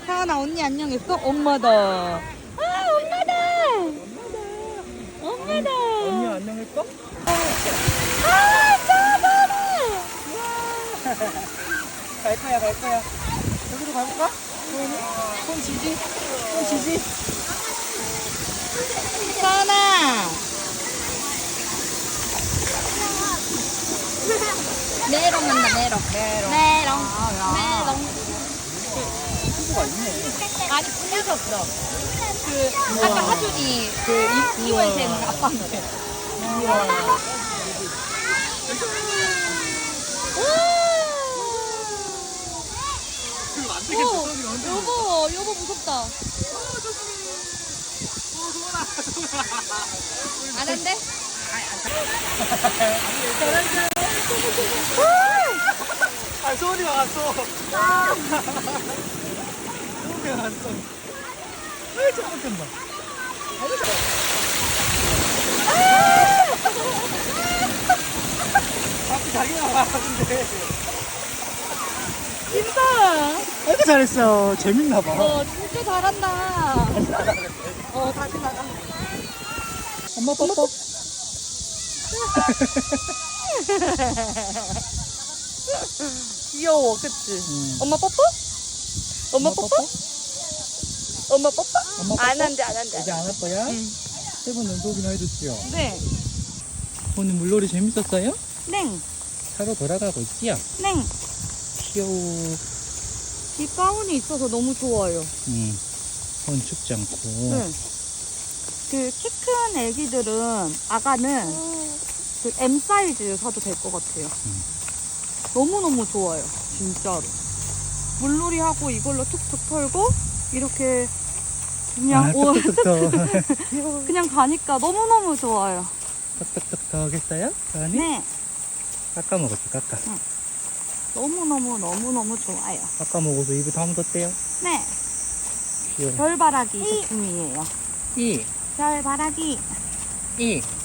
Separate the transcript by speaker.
Speaker 1: 사은아 언니 안녕했어? 엄마다. 아 엄마다. 엄마다.
Speaker 2: 언니 안녕했어?
Speaker 1: 아 짜증나.
Speaker 2: 갈 거야, 갈 거야. 여기로 가볼까? 손 지지? 손 지지?
Speaker 1: 사은아. 메롱 한다 메롱. 메롱. 메롱.
Speaker 2: 친구가 있네.
Speaker 1: 아니 부르셨어. 그 아까 하준이 그 이월생 아빠한테. 여보 무섭다. 안 한대?
Speaker 2: 아, 소은이가 왔어. 소은이가 왔어. 왜 저거 뜬다. 앞이 자기가 와, 근데.
Speaker 1: 진짜.
Speaker 2: 아이고, 잘했어. 재밌나봐.
Speaker 1: 진짜 잘한다. 다시 나가.
Speaker 2: 엄마 뽀뽀.
Speaker 1: 귀여워, 그치? 엄마 뽀뽀? 엄마 뽀뽀? 엄마 뽀뽀?
Speaker 2: 엄마 뽀뽀?
Speaker 1: 안 한대.
Speaker 2: 이제 안 할 거야?
Speaker 1: 응.
Speaker 2: 세분 연속이나 해줬지요.
Speaker 1: 네.
Speaker 2: 오늘 물놀이 재밌었어요?
Speaker 1: 네.
Speaker 2: 차로 돌아가고 있지요?
Speaker 1: 네.
Speaker 2: 귀여워.
Speaker 1: 이 가운이 있어서 너무 좋아요.
Speaker 2: 손 춥지 않고.
Speaker 1: 네. 그 키 큰 애기들은 아가는 그 M 사이즈 사도 될 것 같아요. 너무너무 좋아요. 진짜로. 물놀이 하고 이걸로 툭툭 털고 이렇게 그냥
Speaker 2: 톡톡톡톡.
Speaker 1: 그냥 가니까 너무너무 좋아요.
Speaker 2: 톡톡톡톡 했어요? 아니?
Speaker 1: 네.
Speaker 2: 깎아 먹었지, 깎아.
Speaker 1: 너무너무 좋아요.
Speaker 2: 깎아 먹어서 입에 다 묻었대요.
Speaker 1: 네.
Speaker 2: 귀여워.
Speaker 1: 별바라기 제품이에요.
Speaker 2: 이,
Speaker 1: 별바라기.
Speaker 2: 이.